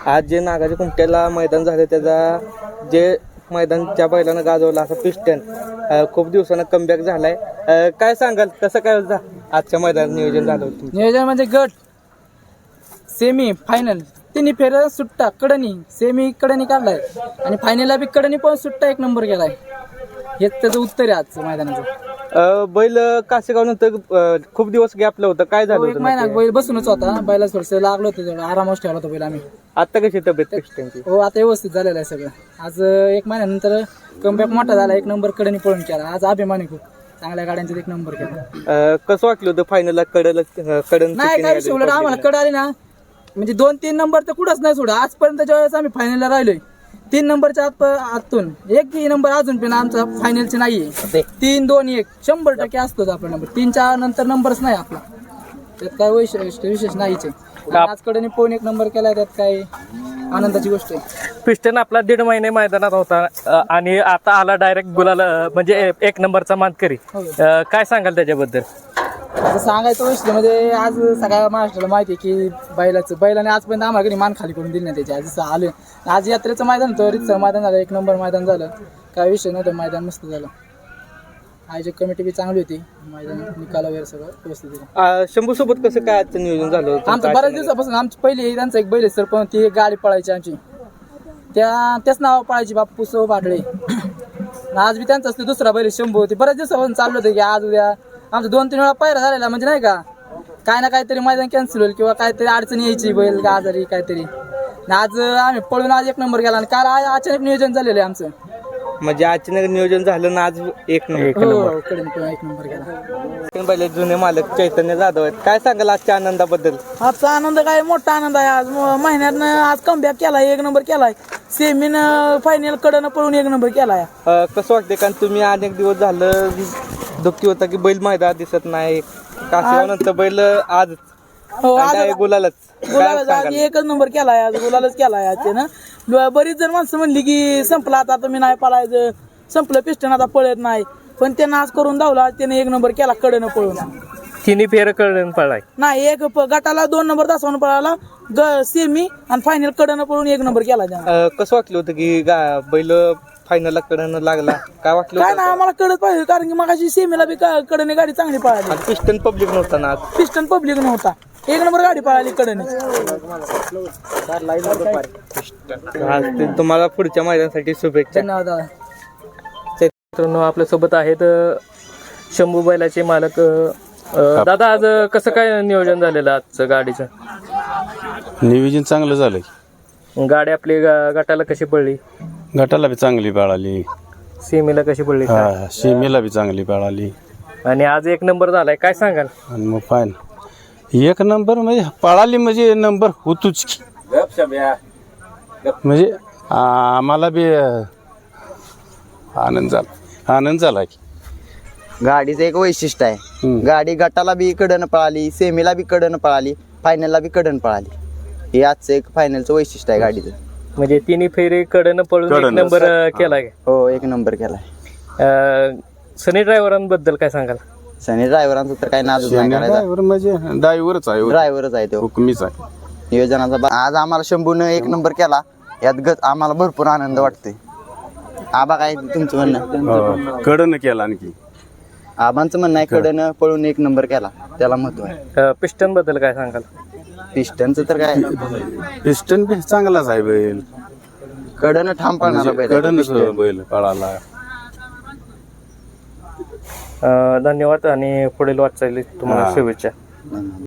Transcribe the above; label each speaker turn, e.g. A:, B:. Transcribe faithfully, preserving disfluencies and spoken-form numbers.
A: आज जे नागाच्या कुमट्याला मैदान झालं त्याचा जे मैदान त्या बैलानं गाजवलं असं पिस्टन खूप दिवसानं कमबॅक झालाय. काय सांगाल कसं काय होतं आजच्या मैदानात नियोजन झालं होतं?
B: नियोजन म्हणजे गट सेमी फायनल तिन्ही फेर सुट्टा कडनी सेमी कडनी काढलाय आणि फायनलला बी कडनी पण सुट्टा एक नंबर केलाय. हेच त्याचं उत्तर आहे आजचं मैदानाचं.
A: बैल कासेगाव नंतर खूप दिवस गॅपलं होतं, काय झालं
B: एक
A: होतं?
B: महिना बैल बसूनच होता, बैला थोडंसं लागलं होतं, तेवढं आरामच ठेवला होता बैल आम्ही.
A: आता कशी तब्येत पिस्टनची?
B: हो आता व्यवस्थित झालेलं आहे सगळं. आज एक महिन्यानंतर कमबॅक मोठा झाला, एक नंबर कडनी पळून केला. आज अभिमानी खूप चांगल्या गाड्यांचा एक नंबर केला.
A: कसं वाटलं होतं फायनलला कडल कडन?
B: नाही काय विषय उलट आम्हाला कड आली ना म्हणजे दोन तीन नंबर तर कुठंच नाही सोडा. आजपर्यंत ज्यावेळेस आम्ही फायनलला राहिलोय तीन नंबरच्या आत आतून एक बी नंबर अजून पण आमचा फायनलचे नाहीये. तीन दोन एक शंभर टक्के असतोच आपला नंबर. तीनच्या नंतर नंबरच नाही आपला, त्यात काय विशेष विशेष नाहीच आहे. आजकडे पोन एक नंबर केलाय, त्यात काय आनंदाची गोष्ट आहे.
C: पिस्टन आपला दीड महिने मैदानात होता आणि आता आला डायरेक्ट गुलाला म्हणजे एक नंबरचा मानकरी. काय सांगाल त्याच्याबद्दल?
B: आता सांगायचं विषय म्हणजे आज सगळ्या महाराष्ट्राला माहिती आहे की बैलाचं बैलाने आजपर्यंत आम्हाला कधी मान खाली करून दिली नाही त्याची. आज जसं आलं आज यात्रेचं मैदान होतं, रितसर मैदान झालं, एक नंबर मैदान झालं, काय विषय नव्हतं, मैदान मस्त झालं. आयोजक कमिटी बी चांगली होती, मैदान निकाल वगैरे सगळं व्यवस्थित दिलं.
A: शंभू सोबत कसं काय आजचं नियोजन झालं होतं?
B: आमचं बऱ्याच दिवसापासून आमची पहिली त्यांचं एक बैल सर पण ती एक गाडी पळायची आमची, त्या त्याच नाव पळायची बाप्पू सो पाटळे. आज बी त्यांचं असते दुसरा बैल शंभू होती. बऱ्याच दिवसापासून चाललं होतं की आज उद्या आमचं दोन तीन वेळा पायरा झालेला म्हणजे नाही का काय ना काहीतरी मैदान कॅन्सल होईल किंवा काहीतरी अडचण यायची बैल का आजारी काहीतरी. आज आम्ही पळून आज एक नंबर केला आणि काल अचानक नियोजन झालेलं आहे आमचं.
A: म्हणजे अचानक नियोजन झालं ना आज एक नंबर
B: एक नंबर केला.
A: बैल जुने मालक चैतन्य जाधव आहेत, काय सांगाल आजच्या आनंदाबद्दल?
B: आजचा आनंद काय मोठा आनंद आहे. आज महिन्यात आज कमबॅक केलाय, एक नंबर केलाय, सेमीन फायनल कडनं पळून एक नंबर केलाय.
A: कसं वाटते? कारण तुम्ही अनेक दिवस झालं दुःखी होता की बैल मैदानात दिसत नाही, कासेगाव नंतर बैल आज गुलालच
B: गुलाल एकच नंबर केलाय, आज गुलालच केलाय आज त्यानं. बरीच जण माणसं म्हणली की संपला आता तुम्ही नाही पळायचं, संपलं पिस्टन आता पळत नाही, पण त्यानं आज करून धावला, त्याने एक नंबर केला कडनं पळून.
C: तिन्ही फेर कडन पळाय
B: नाही, एक गटाला दोन नंबर तासावून पळाला, सेमी आणि फायनल कडनं पळून एक नंबर केला त्यानं.
A: कसं वाटलं होतं की बैल फायनलला कडनं लागला? काय वाटलं?
B: काय ना आम्हाला कडत पाहिजे, कारण की मगाशी सेमीला बी कडने गाडी चांगली पळाली.
A: पिस्टन पब्लिक नव्हता ना आज?
B: पिस्टन पब्लिक नव्हता, एक नंबर गाडी पळाली कडने.
A: तुम्हाला पुढच्या मैदानासाठी शुभेच्छा.
B: धन्यवाद.
C: मित्रांनो आपल्या सोबत आहेत शंभू बैलाचे मालक. दादा आज कसं काय नियोजन झालेलं आजचं गाडीचं?
D: नियोजन चांगलं झालंय.
C: गाडी आपली गटाला कशी पडली?
D: गटाला बी चांगली पळाली,
C: सीमेला कशी पडली?
D: हा सीमेला बी चांगली पळाली
C: आणि आज एक नंबर झालाय, काय सांगाल?
D: आणि मग फायन एक नंबर म्हणजे पळाली म्हणजे नंबर होतोच की. म्हणजे आम्हाला बी आनंद झाला आनंद झाला की.
E: गाडीचं एक वैशिष्ट्य आहे, गाडी गटाला बी कडनं पळाली, सेमीला बी कडनं पळाली, फायनलला बी कडनं पळाली. हे आजचं एक फायनलचं वैशिष्ट्य आहे गाडीचं.
C: म्हणजे तिन्ही फेरी कडनं पळून एक नंबर केलाय.
E: हो एक नंबर केलाय.
C: सनी ड्रायव्हरांबद्दल काय सांगाल?
E: सनी ड्रायव्हरांचं तर काय नादच नाही करायचा,
D: ड्रायव्हर म्हणजे ड्रायव्हरच आहे,
E: ड्रायव्हरच आहे तो,
D: हुकमीच आहे
E: नियोजनाचा. आज आम्हाला शंभून एक नंबर केला, यात गत आम्हाला भरपूर आनंद वाटतोय. आबा काय तुमचं म्हणणं?
D: कडनं केला आणखी.
E: आबांचं म्हणणं आहे कडनं पळून एक नंबर केला, त्याला महत्व आहे.
C: पिस्टन बद्दल काय सांगाल?
E: पिस्टनचं तर काय
D: पिस्टन बी चांगलाच आहे बैल,
E: कडनं ठाम पळणारा बैल,
D: कडनच बैल पळाला.
C: धन्यवाद आणि पुढील वाटचाली तुम्हाला शुभेच्छा.